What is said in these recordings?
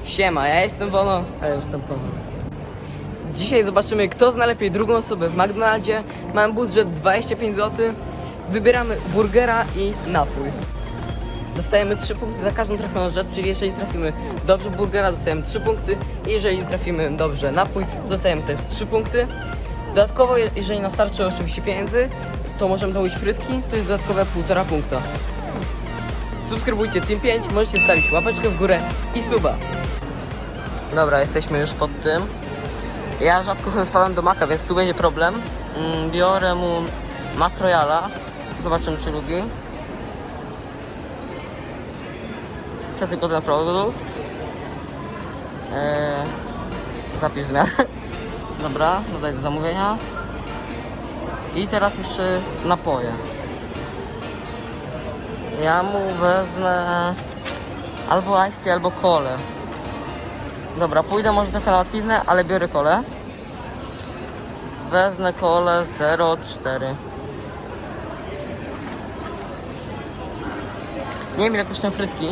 Siema, ja jestem Wono. A ja jestem Paweł. Dzisiaj zobaczymy, kto zna lepiej drugą osobę w McDonaldzie. Mam budżet 25 zł. Wybieramy burgera i napój. Dostajemy 3 punkty za każdą trafioną rzecz, czyli jeżeli trafimy dobrze burgera, dostajemy 3 punkty. I jeżeli trafimy dobrze napój, to dostajemy też 3 punkty. Dodatkowo, jeżeli nam starczy oczywiście pieniędzy, to możemy dołożyć frytki, to jest dodatkowe 1,5 punkta. Subskrybujcie Team 5, możecie stawić łapeczkę w górę i suba. Dobra, jesteśmy już pod tym. Ja rzadko spałem do Maka, więc tu będzie problem. Biorę mu Mac Royala. Zobaczymy, czy lubi. Chcę tylko ten produkt. Zapisz zmianę. Dobra, dodaj do zamówienia. I teraz jeszcze napoje. Ja mu wezmę albo iced tea, albo kolę. Dobra, pójdę może trochę na łatwiznę, ale biorę kolę. Wezmę kolę 0,4. Nie wiem ile kosztują frytki.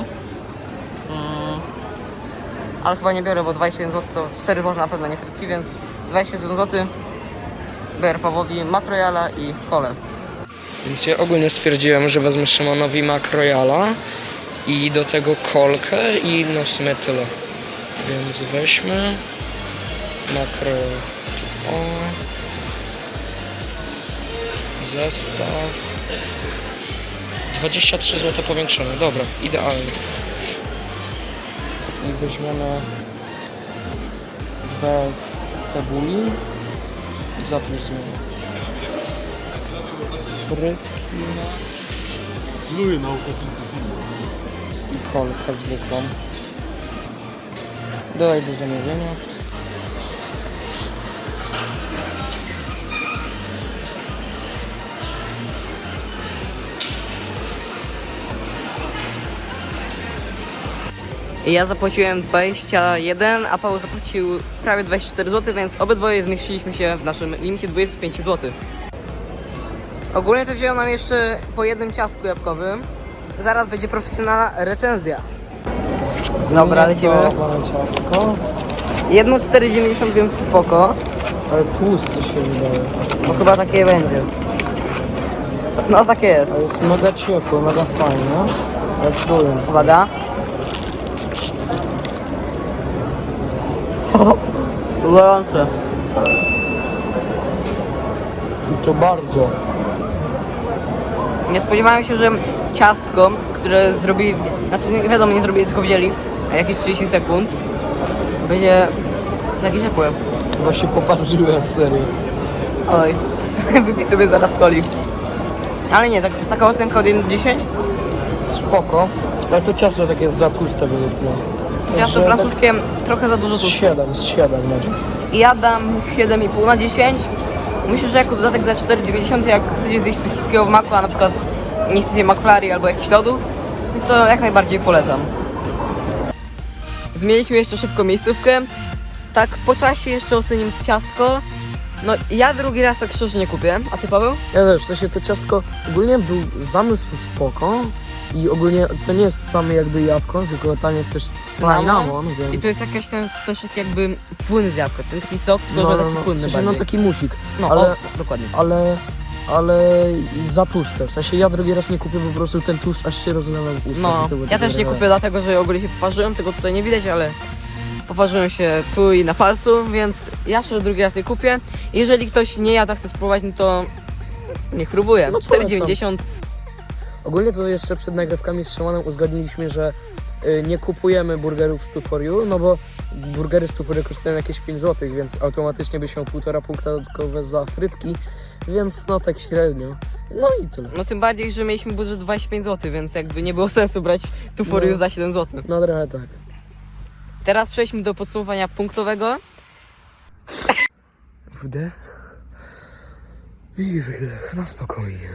Ale chyba nie biorę, bo 27 zł to 4 można na pewno nie frytki, więc 27 zł. Biorę Pawłowi Mac Royala i kolę. Więc ja ogólnie stwierdziłem, że wezmę Szymonowi Mac Royala i do tego kolkę i no w sumie tyle. Więc weźmy Mac Royal. O. Zestaw 23 zł powiększone, dobra, idealnie. I weźmiemy 2 z cebuli i zapróżnimy. Frytki i kolkę zwykłą. Dodaj do zamówienia. Ja zapłaciłem 21, a Paweł zapłacił prawie 24 zł, więc obydwoje zmieściliśmy się w naszym limicie 25 zł. Ogólnie to wzięło nam jeszcze po jednym ciastku jabłkowym. Zaraz będzie profesjonalna recenzja. Dobra, lecimy. Mamy ciastko, Jedno 4,90, więc spoko. ale tłusty się wydaje. Bo chyba takie będzie. No takie jest. A jest mega ciepło, mega fajne. Ale czuję. Uwaga. Gorące. I to bardzo. Nie spodziewałem się, że ciastko, które zrobili, znaczy nie wiadomo, nie zrobili, tylko wzięli jakieś 30 sekund, będzie takie ciepłe. Właśnie popatrzyłem, serio. Oj, wypij sobie zaraz coli. Ale nie, taka ocenka od 1 do 10. Spoko. Ale to ciasto takie jest za tłuste według mnie. Ciasto francuskie trochę za dużo Z tu. 7 będzie. Ja dam 7,5 na 10. Myślę, że jako dodatek za 4,90, jak chcecie zjeść coś słodkiego w maku, a na przykład nie chcecie McFlurry albo jakichś lodów, to jak najbardziej polecam. Zmieniliśmy jeszcze szybko miejscówkę. Tak po czasie jeszcze ocenimy ciastko. No ja drugi raz tak szczerze nie kupię, a ty, Paweł? Ja też, w sensie to ciastko ogólnie był zamysł spoko i ogólnie to nie jest same jakby jabłko, tylko tam jest też cynamon, więc... I to jest jakaś też taki jakby płyn z jabłka, to jest taki sok, tylko że taki płynny w sensie, bardziej. no taki musik, No, ale, dokładnie. ale i za tłuste, w sensie ja drugi raz nie kupię, po prostu ten tłuszcz aż się rozlewa w ustach. No, i to było ja też nie takie- kupię dlatego, że ogólnie się poparzyłem, tego tutaj nie widać, ale poparzyłem się tu i na palcu, więc ja się drugi raz nie kupię. Jeżeli ktoś nie jada, chce spróbować, no to niech próbuje. No, 4,90. Ogólnie to jeszcze przed nagrywkami z Szymonem uzgodniliśmy, że nie kupujemy burgerów z 2 for you, no bo burgery z 2 for you kosztują jakieś 5 zł, więc automatycznie byś miał 1,5 punkta dodatkowe za frytki, więc no tak średnio. No i tyle. No tym bardziej, że mieliśmy budżet 25 zł, więc jakby nie było sensu brać tu for you za 7 zł. No trochę tak. Teraz przejdźmy do podsumowania punktowego. Wdech i wydech, na spokojnie.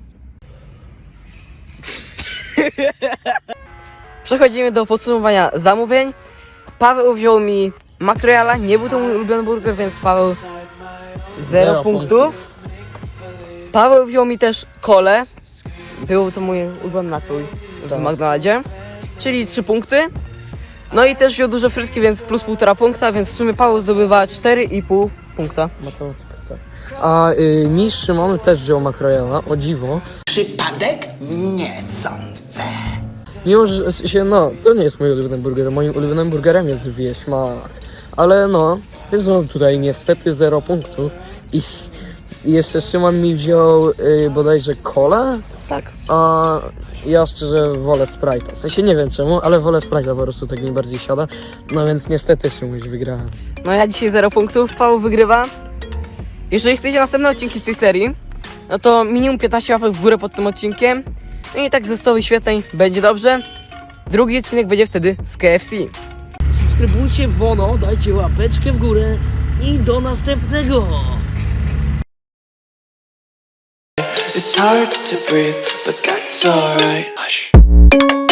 Przechodzimy do podsumowania zamówień. Paweł wziął mi Mac Royala, nie był to mój ulubiony burger, więc Paweł 0 punktów. Paweł wziął mi też kolę. Był to mój ulubiony napój w Tak. McDonaldzie, czyli 3 punkty. No i też wziął dużo frytki, więc plus 1,5 punkta, więc w sumie Paweł zdobywa 4,5 punkta. Matematyka, tak. A mistrz Szymon też wziął makrojela, o dziwo. Przypadek? Nie sądzę. Mimo, że no, to nie jest mój ulubiony burger. Moim ulubionym burgerem jest wieśmak. Ale no, więc no tutaj niestety 0 punktów. I jeszcze Szymon mi wziął bodajże kolę, Tak. a ja szczerze wolę Sprite'a. W sensie nie wiem czemu, ale wolę Sprite'a, po prostu tak mi bardziej siada. No więc niestety Szymuś wygrałem. No ja dzisiaj 0 punktów, Paweł wygrywa. Jeżeli chcecie następne odcinki z tej serii, no to minimum 15 łapek w górę pod tym odcinkiem. No i tak ze 100 wyświetleń będzie dobrze. Drugi odcinek będzie wtedy z KFC. Subskrybujcie Wono, dajcie łapeczkę w górę i do następnego! It's hard to breathe, but that's alright. Hush.